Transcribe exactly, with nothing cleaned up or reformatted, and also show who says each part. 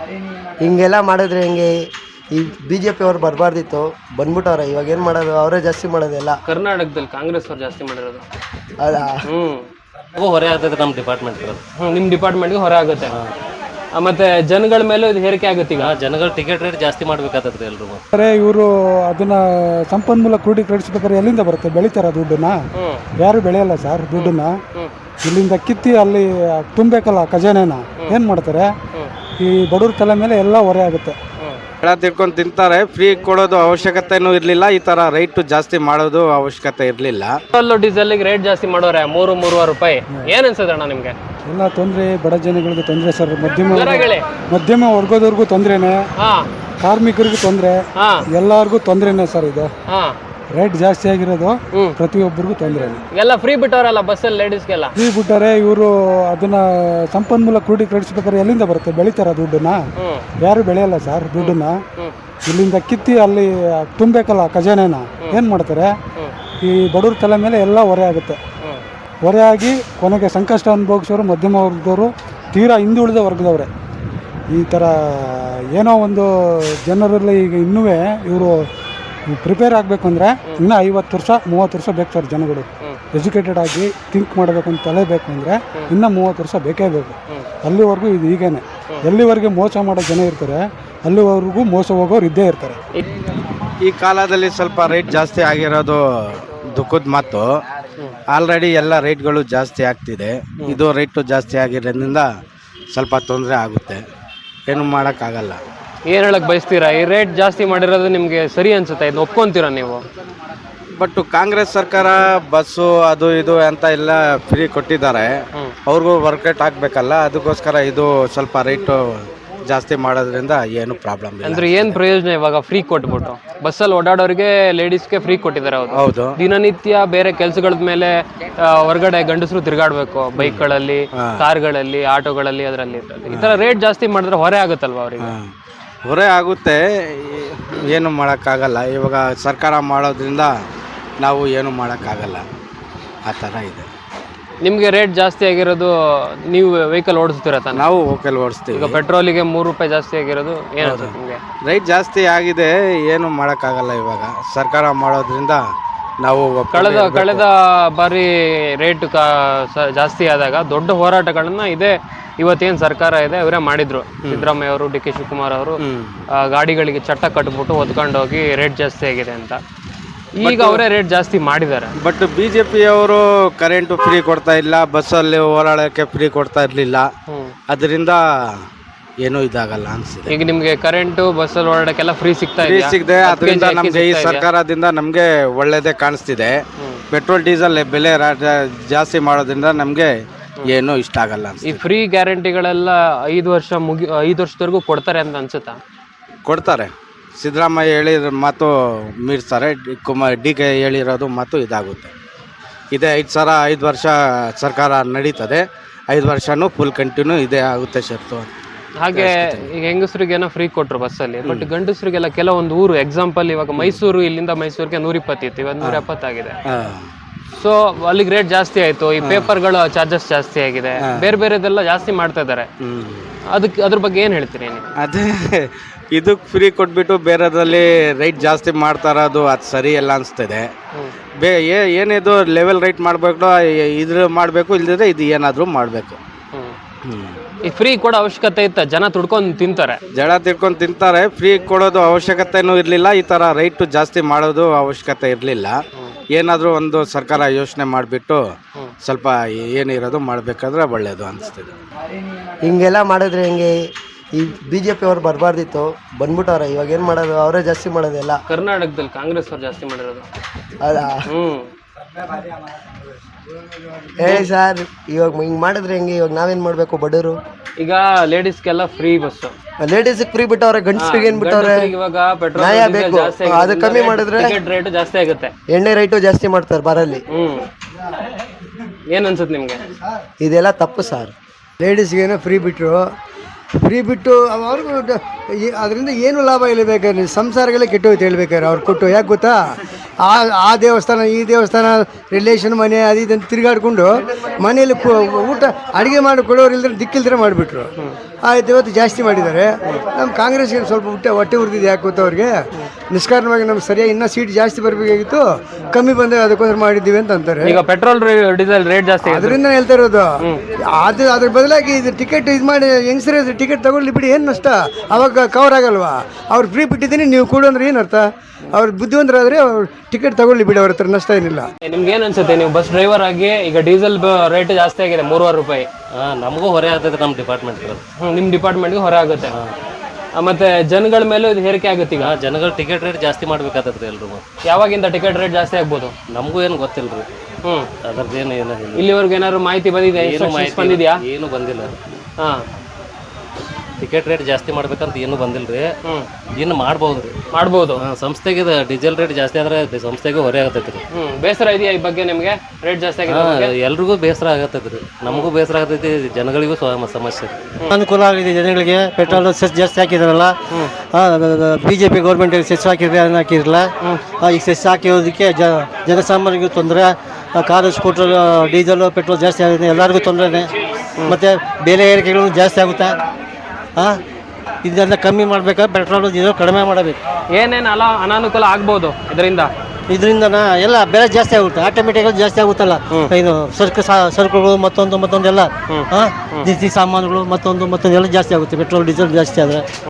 Speaker 1: ಹಿಂಗೆಲ್ಲ ಮಾಡಿದ್ರೆ ಹೆಂಗೆ? ಈ ಬಿ ಜೆ ಪಿ ಅವ್ರು ಬರಬಾರ್ದಿತ್ತು, ಬಂದ್ಬಿಟ್ಟವ್ರೆ. ಇವಾಗ ಏನು ಮಾಡೋದು? ಅವರೇ ಜಾಸ್ತಿ ಮಾಡೋದೆಲ್ಲ.
Speaker 2: ಕರ್ನಾಟಕದಲ್ಲಿ ಕಾಂಗ್ರೆಸ್ ಅವ್ರು ಜಾಸ್ತಿ ಮಾಡಿರೋದು.
Speaker 1: ಹೌದಾ?
Speaker 2: ಹ್ಞೂ
Speaker 3: ಹೊರೆ ಆಗ್ತದೆ ನಮ್ಮ ಡಿಪಾರ್ಟ್ಮೆಂಟ್.
Speaker 2: ಹ್ಞೂ ನಿಮ್ಮ ಡಿಪಾರ್ಟ್ಮೆಂಟ್ಗೆ ಹೊರೆ ಆಗುತ್ತೆ. ಮತ್ತೆ ಜನಗಳ ಮೇಲೆ ಇದು ಹೇರಿಕೆ ಆಗುತ್ತೆ. ಈಗ
Speaker 3: ಜನಗಳು ಟಿಕೆಟ್ ರೇಟ್ ಜಾಸ್ತಿ ಮಾಡ್ಬೇಕಾಗ್ತದೆ ಎಲ್ರು.
Speaker 4: ಅರೆ ಇವರು ಅದನ್ನ ಸಂಪನ್ಮೂಲ ಕ್ರೋಢೀಕರಿಸಬೇಕಾದ್ರೆ ಎಲ್ಲಿಂದ ಬರುತ್ತೆ? ಬೆಳಿತಾರ ದುಡ್ಡನ್ನ? ಯಾರು ಬೆಳೆಯಲ್ಲ ಸರ್ ದುಡ್ಡನ್ನ. ಇಲ್ಲಿಂದ ಕಿತ್ತಿ ಅಲ್ಲಿ ತುಂಬಬೇಕಲ್ಲ ಖಜಾನೆನ. ಏನು ಮಾಡ್ತಾರೆ? ಈ ಬಡವ್ರ ತಲೆ ಮೇಲೆ ಎಲ್ಲ ಹೊರೆ ಆಗುತ್ತೆ.
Speaker 5: ಎಲ್ಲ ತಿಳ್ಕೊಂಡು ತಿಂತಾರೆ. ಫ್ರೀ ಕೊಡೋದು ಅವಶ್ಯಕತೆನೂ ಇರಲಿಲ್ಲ. ಈ ಥರ ರೈಟು ಜಾಸ್ತಿ ಮಾಡೋದು ಅವಶ್ಯಕತೆ ಇರಲಿಲ್ಲ.
Speaker 2: ಪೆಟ್ರೋಲ್ ಡೀಸೆಲ್ಗೆ ರೇಟ್ ಜಾಸ್ತಿ ಮಾಡೋರೆ ಮೂರು ಮೂರುವರೆ ರೂಪಾಯಿ. ಏನು ಅನ್ಸುತ್ತೆ ಅಣ್ಣ ನಿಮಗೆ?
Speaker 4: ಎಲ್ಲ ತೊಂದರೆ, ಬಡ ಜನಗಳಿಗೆ ತೊಂದರೆ ಸರ್. ಮಧ್ಯಮ ಮಧ್ಯಮ ವರ್ಗದವ್ರಿಗೂ ತೊಂದರೆನೇ, ಕಾರ್ಮಿಕರಿಗೂ ತೊಂದರೆ, ಎಲ್ಲರಿಗೂ ತೊಂದರೆನೇ ಸರ್. ಇದು ರೇಟ್ ಜಾಸ್ತಿ ಆಗಿರೋದು ಪ್ರತಿಯೊಬ್ಬರಿಗೂ ತೊಂದರೆನೇ.
Speaker 2: ಎಲ್ಲ ಫ್ರೀ ಬಿಟ್ಟವರಲ್ಲ ಬಸ್ಸಲ್ಲಿ ಲೇಡೀಸ್ಗೆಲ್ಲ.
Speaker 4: ಫ್ರೀ ಬಿಟ್ಟಾರೆ ಇವರು. ಅದನ್ನ ಸಂಪನ್ಮೂಲ ಕ್ರೋಢೀಕರಿಸಬೇಕಾದ್ರೆ ಎಲ್ಲಿಂದ ಬರುತ್ತೆ? ಬೆಳಿತಾರ ದುಡ್ಡನ್ನ? ಯಾರು ಬೆಳೆಯಲ್ಲ ಸರ್ ದುಡ್ಡನ್ನ. ಇಲ್ಲಿಂದ ಕಿತ್ತಿ ಅಲ್ಲಿ ತುಂಬಬೇಕಲ್ಲ ಖಜಾನೆನ. ಏನು ಮಾಡ್ತಾರೆ? ಈ ಬಡವ್ರ ತಲೆ ಮೇಲೆ ಎಲ್ಲ ಹೊರೆ ಆಗುತ್ತೆ. ಹೊರೆ ಆಗಿ ಕೊನೆಗೆ ಸಂಕಷ್ಟ ಅನುಭವಿಸೋರು ಮಧ್ಯಮ ವರ್ಗದವರು, ತೀರಾ ಹಿಂದುಳಿದ ವರ್ಗದವ್ರೆ. ಈ ಥರ ಏನೋ ಒಂದು ಜನರಲ್ಲಿ ಈಗ ಇನ್ನೂ ಇವರು ಪ್ರಿಪೇರ್ ಆಗಬೇಕು ಅಂದರೆ ಇನ್ನೂ ಐವತ್ತು ವರ್ಷ ಮೂವತ್ತು ವರ್ಷ ಬೇಕು ಸರ್. ಜನಗಳು ಎಜುಕೇಟೆಡ್ ಆಗಿ ಥಿಂಕ್ ಮಾಡಬೇಕು ಅಂತ ತಲೆ ಬೇಕು ಅಂದರೆ ಇನ್ನೂ ಮೂವತ್ತು ವರ್ಷ ಬೇಕೇ ಬೇಕು. ಅಲ್ಲಿವರೆಗೂ ಇದು ಹೀಗೇನೆ. ಎಲ್ಲಿವರೆಗೆ ಮೋಸ ಮಾಡೋ ಜನ ಇರ್ತಾರೆ ಅಲ್ಲಿವರೆಗೂ ಮೋಸ ಹೋಗೋರು ಇದ್ದೇ ಇರ್ತಾರೆ.
Speaker 5: ಈ ಕಾಲದಲ್ಲಿ ಸ್ವಲ್ಪ ರೇಟ್ ಜಾಸ್ತಿ ಆಗಿರೋದು ದುಃಖದ ಮಾತು. ಆಲ್ರೆಡಿ ಎಲ್ಲ ರೇಟ್ಗಳು ಜಾಸ್ತಿ ಆಗ್ತಿದೆ. ಇದು ರೇಟು ಜಾಸ್ತಿ ಆಗಿರೋದ್ರಿಂದ ಸ್ವಲ್ಪ ತೊಂದರೆ ಆಗುತ್ತೆ. ಏನು ಮಾಡೋಕ್ಕಾಗಲ್ಲ.
Speaker 2: ಏನು ಹೇಳಕ್ಕೆ ಬಯಸ್ತೀರಾ? ಈ ರೇಟ್ ಜಾಸ್ತಿ ಮಾಡಿರೋದು ನಿಮಗೆ ಸರಿ ಅನ್ಸುತ್ತೆ? ಇದನ್ನ ಒಪ್ಕೊಂತೀರಾ ನೀವು?
Speaker 5: ಬಟ್ ಕಾಂಗ್ರೆಸ್ ಸರ್ಕಾರ ಬಸ್ಸು ಅದು ಇದು ಅಂತ ಎಲ್ಲ ಫ್ರೀ ಕೊಟ್ಟಿದ್ದಾರೆ. ಅವ್ರಿಗೂ ವರ್ಕೌಟ್ ಆಗಬೇಕಲ್ಲ. ಅದಕ್ಕೋಸ್ಕರ ಇದು ಸ್ವಲ್ಪ ರೇಟು ಜಾಸ್ತಿ ಮಾಡೋದ್ರಿಂದ ಏನು ಪ್ರಾಬ್ಲಮ್ ಇಲ್ಲ.
Speaker 2: ಅಂದ್ರೆ ಏನು ಪ್ರಯೋಜನ ಇವಾಗ ಫ್ರೀ ಕೊಟ್ಬಿಟ್ಟು? ಬಸ್ಸಲ್ಲಿ ಓಡಾಡೋರಿಗೆ ಲೇಡೀಸ್ಗೆ ಫ್ರೀ ಕೊಟ್ಟಿದ್ದಾರೆ. ಹೌದು
Speaker 5: ಹೌದು.
Speaker 2: ದಿನನಿತ್ಯ ಬೇರೆ ಕೆಲಸಗಳ ಮೇಲೆ ಹೊರಗಡೆ ಗಂಡಸರು ತಿರುಗಾಡ್ಬೇಕು, ಬೈಕ್ಗಳಲ್ಲಿ, ಕಾರ್ಗಳಲ್ಲಿ, ಆಟೋಗಳಲ್ಲಿ, ಅದರಲ್ಲಿ. ಈ ಥರ ರೇಟ್ ಜಾಸ್ತಿ ಮಾಡಿದ್ರೆ ಹೊರೆ ಆಗುತ್ತಲ್ವ ಅವರಿಗೆ?
Speaker 5: ಹೊರೆ ಆಗುತ್ತೆ. ಏನು ಮಾಡೋಕ್ಕಾಗಲ್ಲ. ಇವಾಗ ಸರ್ಕಾರ ಮಾಡೋದ್ರಿಂದ ನಾವು ಏನು ಮಾಡೋಕ್ಕಾಗಲ್ಲ. ಆ ಥರ ಇದೆ.
Speaker 2: ನಿಮಗೆ ರೇಟ್ ಜಾಸ್ತಿ ಆಗಿರೋದು, ನೀವು ವೆಹಿಕಲ್ ಓಡಿಸ್ತೀರ ತಾನೆ?
Speaker 5: ನಾವು ವೆಹಿಕಲ್ ಓಡಿಸ್ತೀವಿ.
Speaker 2: ಈಗ ಪೆಟ್ರೋಲಿಗೆ ಮೂರು ರೂಪಾಯಿ ಜಾಸ್ತಿ ಆಗಿರೋದು ಏನಾಗುತ್ತೆ ನಿಮಗೆ?
Speaker 5: ರೇಟ್ ಜಾಸ್ತಿ ಆಗಿದೆ. ಏನು ಮಾಡೋಕ್ಕಾಗಲ್ಲ. ಇವಾಗ ಸರ್ಕಾರ ಮಾಡೋದ್ರಿಂದ ನಾವು
Speaker 2: ಕಳೆದ ಕಳೆದ ಬಾರಿ ರೇಟ್ ಜಾಸ್ತಿ ಆದಾಗ ದೊಡ್ಡ ಹೋರಾಟಗಳನ್ನ ಇದೇ ಇವತ್ತೇನು ಸರ್ಕಾರ ಇದೆ ಅವರೇ ಮಾಡಿದ್ರು. ಸಿದ್ದರಾಮಯ್ಯ ಅವರು, ಡಿ ಕೆ ಶಿವಕುಮಾರ್ ಅವರು ಗಾಡಿಗಳಿಗೆ ಚಟ್ಟ ಕಟ್ಬಿಟ್ಟು ಹೊತ್ಕೊಂಡೋಗಿ ರೇಟ್ ಜಾಸ್ತಿ ಆಗಿದೆ ಅಂತ. ಈಗ ಅವರೇ ರೇಟ್ ಜಾಸ್ತಿ ಮಾಡಿದ್ದಾರೆ.
Speaker 5: ಬಟ್ ಬಿ ಜೆ ಪಿಯವರು ಕರೆಂಟು ಫ್ರೀ ಕೊಡ್ತಾ ಇಲ್ಲ, ಬಸ್ಸಲ್ಲಿ ಓಡಾಡೋಕ್ಕೆ ಫ್ರೀ ಕೊಡ್ತಾ ಇರಲಿಲ್ಲ. ಅದರಿಂದ ಏನೂ ಇದಾಗಲ್ಲ ಅನಿಸಿದೆ.
Speaker 2: ಈಗ ನಿಮಗೆ ಕರೆಂಟು ಬಸ್ಸಲ್ಲಿ ಓಡಾಡೋಕ್ಕೆಲ್ಲ ಫ್ರೀ ಸಿಗ್ತಾ ಇದೆ
Speaker 5: ಸಿಗದೆ. ಅದರಿಂದ ನಮಗೆ ಈ ಸರ್ಕಾರದಿಂದ ನಮಗೆ ಒಳ್ಳೆಯದೇ ಕಾಣಿಸ್ತಿದೆ. ಪೆಟ್ರೋಲ್ ಡೀಸೆಲ್ ಬೆಲೆ ಜಾಸ್ತಿ ಮಾಡೋದ್ರಿಂದ ನಮಗೆ ಏನೂ ಇಷ್ಟ ಆಗಲ್ಲ.
Speaker 2: ಈ ಫ್ರೀ ಗ್ಯಾರಂಟಿಗಳೆಲ್ಲ ಐದು ವರ್ಷ ಮುಗಿ ಐದು ವರ್ಷದವರೆಗೂ ಕೊಡ್ತಾರೆ ಅಂತ ಅನ್ಸುತ್ತಾ?
Speaker 5: ಕೊಡ್ತಾರೆ. ಸಿದ್ದರಾಮಯ್ಯ ಹೇಳಿರೋ ಮಾತು ಮೀರಿಸ್ತಾರೆ. ಕುಮಾರ್ ಡಿ ಕೆ ಹೇಳಿರೋದು ಮಾತು ಇದಾಗುತ್ತೆ. ಇದೇ ಐದು ಸಾವಿರ ಐದು ವರ್ಷ ಸರ್ಕಾರ ನಡೀತದೆ. ಐದು ವರ್ಷನೂ ಫುಲ್ ಕಂಟಿನ್ಯೂ ಇದೇ ಆಗುತ್ತೆ ಶರ್ತು.
Speaker 2: ಹಾಗೆ ಈಗ ಹೆಂಗಸರಿಗೇನೋ ಫ್ರೀ ಕೊಟ್ಟರು ಬಸ್ಸಲ್ಲಿ. ಬಟ್ ಗಂಡಸರಿಗೆಲ್ಲ ಕೆಲವೊಂದು ಊರು, ಎಕ್ಸಾಂಪಲ್ ಇವಾಗ ಮೈಸೂರು, ಇಲ್ಲಿಂದ ಮೈಸೂರಿಗೆ ನೂರ ಇಪ್ಪತ್ತಿತ್ತು, ಇವತ್ತು ನೂರ ಎಪ್ಪತ್ತಾಗಿದೆ. ಸೊ ಅಲ್ಲಿಗೆ ರೇಟ್ ಜಾಸ್ತಿ ಆಯ್ತು. ಈ ಪೇಪರ್ಗಳ ಚಾರ್ಜಸ್ ಜಾಸ್ತಿ ಆಗಿದೆ, ಬೇರೆ ಬೇರೆದೆಲ್ಲ ಜಾಸ್ತಿ ಮಾಡ್ತಾ ಇದ್ದಾರೆ. ಅದಕ್ಕೆ ಅದ್ರ ಬಗ್ಗೆ ಏನು ಹೇಳ್ತೀರಿ ನೀವು?
Speaker 5: ಅದೇ ಇದಕ್ಕೆ ಫ್ರೀ ಕೊಟ್ಬಿಟ್ಟು ಬೇರೆದ್ರಲ್ಲಿ ರೈಟ್ ಜಾಸ್ತಿ ಮಾಡ್ತಾ ಇರೋದು ಅದು ಸರಿ ಎಲ್ಲ ಅನಿಸ್ತದೆ. ಬೇ ಏನಿದು ಲೆವೆಲ್ ರೈಟ್ ಮಾಡಬೇಕು, ಇದ್ರ ಮಾಡಬೇಕು, ಇಲ್ಲದಿದ್ರೆ ಇದು ಏನಾದರೂ ಮಾಡಬೇಕು.
Speaker 2: ಈ ಫ್ರೀ ಕೊಡೋ ಅವಶ್ಯಕತೆ ಇತ್ತ? ಜನ ತುಡ್ಕೊಂಡು ತಿಂತಾರೆ.
Speaker 5: ಜನ ತಿಳ್ಕೊಂಡು ತಿಂತಾರೆ. ಫ್ರೀ ಕೊಡೋದು ಅವಶ್ಯಕತೆನೂ ಇರಲಿಲ್ಲ. ಈ ಥರ ರೈಟು ಜಾಸ್ತಿ ಮಾಡೋದು ಅವಶ್ಯಕತೆ ಇರಲಿಲ್ಲ. ಏನಾದರೂ ಒಂದು ಸರ್ಕಾರ ಯೋಚನೆ ಮಾಡಿಬಿಟ್ಟು ಸ್ವಲ್ಪ ಏನಿರೋದು ಮಾಡಬೇಕಾದ್ರೆ ಒಳ್ಳೆಯದು ಅನಿಸ್ತದೆ.
Speaker 1: ಹಿಂಗೆಲ್ಲ ಮಾಡಿದ್ರೆ ಹೆಂಗೆ? ಈ ಬಿ ಜೆ ಪಿ ಅವ್ರು ಬರಬಾರ್ದಿತ್ತು, ಬಂದ್ಬಿಟ್ಟವ್ರೆ. ಇವಾಗ ಏನು ಮಾಡೋದು? ಅವರೇ ಜಾಸ್ತಿ ಮಾಡೋದೆಲ್ಲ.
Speaker 2: ಕರ್ನಾಟಕದಲ್ಲಿ ಕಾಂಗ್ರೆಸ್ ಅವ್ರು ಜಾಸ್ತಿ ಮಾಡಿರೋದು.
Speaker 1: ಹೌದಾ?
Speaker 2: ಹ್ಞೂ
Speaker 1: ಹೇಳಿ ಸರ್, ಇವಾಗ ಹಿಂಗೆ ಮಾಡಿದ್ರೆ ಹೆಂಗೆ? ಇವಾಗ ನಾವೇನು ಮಾಡಬೇಕು ಬಡವರು?
Speaker 2: ಈಗ ಲೇಡೀಸ್ಗೆಲ್ಲ ಫ್ರೀ ಬಸ್ಸು,
Speaker 1: ಲೇಡೀಸ್ಗೆ ಫ್ರೀ ಬಿಟ್ಟವ್ರೆ, ಗಂಡಸ್ರಿಗೆ ಏನು ಬಿಟ್ಟವ್ರೆ?
Speaker 2: ಇವಾಗ ಪೆಟ್ರೋಲ್
Speaker 1: ನ್ಯಾಯ ಬೇಕು. ಅದು ಕಮ್ಮಿ ಮಾಡಿದ್ರೆ
Speaker 2: ರೇಟ್ ಜಾಸ್ತಿ ಆಗುತ್ತೆ.
Speaker 1: ಎಣ್ಣೆ ರೇಟು ಜಾಸ್ತಿ ಮಾಡ್ತಾರೆ ಬಾರಲ್ಲಿ.
Speaker 2: ಹ್ಮ್ ಏನು ಅನ್ಸುತ್ತೆ ನಿಮಗೆ?
Speaker 1: ಇದೆಲ್ಲ ತಪ್ಪು ಸರ್.
Speaker 6: ಲೇಡೀಸ್ಗೇನೋ ಫ್ರೀ ಬಿಟ್ಟರು. ಫ್ರೀ ಬಿಟ್ಟು ಅವ್ರಿಗೂ ಅದರಿಂದ ಏನು ಲಾಭ ಇಲ್ಲ ಬೇಕಾದ್ರೆ ಸಂಸಾರಗಳೇ ಕೆಟ್ಟೋಯ್ತು ಹೇಳ್ಬೇಕಾದ್ರೆ ಅವ್ರು ಕೊಟ್ಟು. ಯಾಕೆ ಗೊತ್ತಾ? ಆ ಆ ದೇವಸ್ಥಾನ ಈ ದೇವಸ್ಥಾನ ರಿಲೇಷನ್ ಮನೆ ಅದು ಇದಂತ ತಿರುಗಾಡ್ಕೊಂಡು ಮನೆಯಲ್ಲಿ ಕು- ಊಟ ಅಡುಗೆ ಮಾಡಿ ಕೊಡೋರು ಇಲ್ದ್ರೆ ದಿಕ್ಕಿಲ್ದ್ರೆ ಮಾಡಿಬಿಟ್ರು. ಆಯ್ತು, ಇವತ್ತು ಜಾಸ್ತಿ ಮಾಡಿದ್ದಾರೆ. ನಮ್ಮ ಕಾಂಗ್ರೆಸ್ಗೆ ಸ್ವಲ್ಪ ಹೊಟ್ಟೆ ಹೊಟ್ಟೆ ಉರಿದಿದೆ ಯಾಕೆ ಗೊತ್ತಾ ಅವ್ರಿಗೆ, ನಿಷ್ಕಾರಣವಾಗಿ ನಮ್ಗೆ ಸರಿಯಾಗಿ ಇನ್ನೂ ಸೀಟ್ ಜಾಸ್ತಿ ಬರಬೇಕಾಗಿತ್ತು, ಕಮ್ಮಿ ಬಂದಾಗ ಅದಕ್ಕೋಸ್ಕರ ಮಾಡಿದ್ದೀವಿ ಅಂತ ಅಂತಾರೆ.
Speaker 2: ಈಗ ಪೆಟ್ರೋಲ್ ಡೀಸೆಲ್ ರೇಟ್ ಜಾಸ್ತಿ ಆಗಿದೆ.
Speaker 6: ಅದರಿಂದ ಹೇಳ್ತಾ ಇರೋದು. ಅದು ಅದ್ರ ಬದಲಾಗಿ ಇದು ಟಿಕೆಟ್ ಇದು ಮಾಡಿ ಹೆಂಗಸರ ಟಿಕೆಟ್ ತಗೊಳ್ಳಿ ಬಿಡಿ, ಏನು ನಷ್ಟ, ಅವಾಗ ಕವರ್ ಆಗಲ್ವಾ? ಅವ್ರು ಫ್ರೀ ಬಿಟ್ಟಿದ್ದೀನಿ ನೀವು ಕೊಡು ಅಂದ್ರೆ ಏನು ಅರ್ಥ? ಅವ್ರು ಬುದ್ಧಿವಂತರಾದರೆ ಅವ್ರು ಟಿಕೆಟ್ ತಗೊಳ್ಳಿ ಬಿಡಿ, ಅವ್ರ ಹತ್ರ ನಷ್ಟ ಏನಿಲ್ಲ.
Speaker 2: ನಿಮ್ಗೆ ಏನ್ ಅನ್ಸುತ್ತೆ, ನೀವು ಬಸ್ ಡ್ರೈವರ್ ಆಗಿ ಈಗ ಡೀಸೆಲ್ ರೇಟ್ ಜಾಸ್ತಿ ಆಗಿದೆ ಮೂರುವರೆ ರೂಪಾಯಿ.
Speaker 3: ಹಾಂ ನಮಗೂ ಹೊರೆ ಆಗ್ತದೆ ನಮ್ಮ ಡಿಪಾರ್ಟ್ಮೆಂಟ್.
Speaker 2: ಹ್ಮ್, ನಿಮ್ ಡಿಪಾರ್ಟ್ಮೆಂಟ್ಗೆ ಹೊರೆ ಆಗುತ್ತೆ. ಆ, ಮತ್ತೆ ಜನಗಳ ಮೇಲೂ ಇದು ಹೇರಿಕೆ ಆಗುತ್ತೆ. ಈಗ
Speaker 3: ಜನಗಳು ಟಿಕೆಟ್ ರೇಟ್ ಜಾಸ್ತಿ ಮಾಡ್ಬೇಕಾಗ್ತದೆ ಎಲ್ರು.
Speaker 2: ಯಾವಾಗಿಂದ ಟಿಕೆಟ್ ರೇಟ್ ಜಾಸ್ತಿ ಆಗ್ಬೋದು?
Speaker 3: ನಮಗೂ ಏನು ಗೊತ್ತಿಲ್ಲ ರೀ
Speaker 2: ಹ್ಮ್,
Speaker 3: ಅದ್ರದ್ದು ಏನು ಏನು
Speaker 2: ಇಲ್ಲಿವರೆಗೂ ಏನಾದ್ರು ಮಾಹಿತಿ ಬಂದಿದೆ?
Speaker 3: ಏನು ಮಾಹಿತಿ
Speaker 2: ಬಂದಿದ್ಯಾ?
Speaker 3: ಏನು ಬಂದಿಲ್ಲ.
Speaker 2: ಹಾ,
Speaker 3: ಟಿಕೆಟ್ ರೇಟ್ ಜಾಸ್ತಿ ಮಾಡ್ಬೇಕಂತ ಏನು ಬಂದಿಲ್ಲ ರೀ. ಇನ್ನು ಮಾಡ್ಬೋದು ರೀ,
Speaker 2: ಮಾಡ್ಬೋದು.
Speaker 3: ಸಂಸ್ಥೆಗೆ ಇದು ಡೀಸೆಲ್ ರೇಟ್ ಜಾಸ್ತಿ ಆದ್ರೆ ಸಂಸ್ಥೆಗೆ ಹೊರೆ ಆಗತೈತಿ ರೀ.
Speaker 2: ಹ್ಮ್, ಬೇಸರ ಇದೆಯಾ ಈ ಬಗ್ಗೆ ನಿಮ್ಗೆ? ರೇಟ್ ಜಾಸ್ತಿ ಆಗಿದೆ.
Speaker 3: ಎಲ್ರಿಗೂ ಬೇಸರ ಆಗತೈತಿ ರೀ, ನಮಗೂ ಬೇಸರ ಆಗತೈತಿ, ಜನಗಳಿಗೂ ಸ್ವ- ಸಮಸ್ಯೆ ರೀ.
Speaker 7: ಅನುಕೂಲ ಆಗಿದೆ ಜನಗಳಿಗೆ. ಪೆಟ್ರೋಲ್ ಸೆಸ್ ಜಾಸ್ತಿ ಹಾಕಿದಾರಲ್ಲ, B J P government cess ಹಾಕಿದ್ರೆ ಏನು ಹಾಕಿರಲ್ಲ. ಈಗ ಸೆಸ್ ಹಾಕಿರೋದಕ್ಕೆ ಜ ಜನಸಾಮಾನ್ಯರಿಗೂ ತೊಂದರೆ. ಕಾರು ಸ್ಕೂಟರ್ ಡೀಸೆಲ್ ಪೆಟ್ರೋಲ್ ಜಾಸ್ತಿ ಆಗಿದೆ, ಎಲ್ಲರಿಗೂ ತೊಂದರೆನೇ. ಮತ್ತು ಬೆಲೆ ಏರಿಕೆಗಳು ಜಾಸ್ತಿ ಆಗುತ್ತಾ? ಹಾಂ, ಇದೆಲ್ಲ ಕಮ್ಮಿ ಮಾಡಬೇಕಾದ್ರೆ ಪೆಟ್ರೋಲ್ ಡೀಸೆಲ್ ಕಡಿಮೆ ಮಾಡಬೇಕು.
Speaker 2: ಏನೇನು ಅಲ ಅನಾನುಕೂಲ ಆಗ್ಬೋದು ಇದರಿಂದ?
Speaker 7: ಇದರಿಂದ ಎಲ್ಲ ಬೆಲೆ ಜಾಸ್ತಿ ಆಗುತ್ತೆ, ಆಟೋಮೆಟಿಕಲಿ ಜಾಸ್ತಿ ಆಗುತ್ತಲ್ಲ. ಇದು ಸರಕು ಸರಕುಗಳು ಮತ್ತೊಂದು ಮತ್ತೊಂದೆಲ್ಲ, ಹಾಂ, ದಿನಸಿ ಸಾಮಾನುಗಳು ಮತ್ತೊಂದು ಮತ್ತೊಂದು ಎಲ್ಲ ಜಾಸ್ತಿ ಆಗುತ್ತೆ ಪೆಟ್ರೋಲ್ ಡೀಸೆಲ್ ಜಾಸ್ತಿ ಆದರೆ.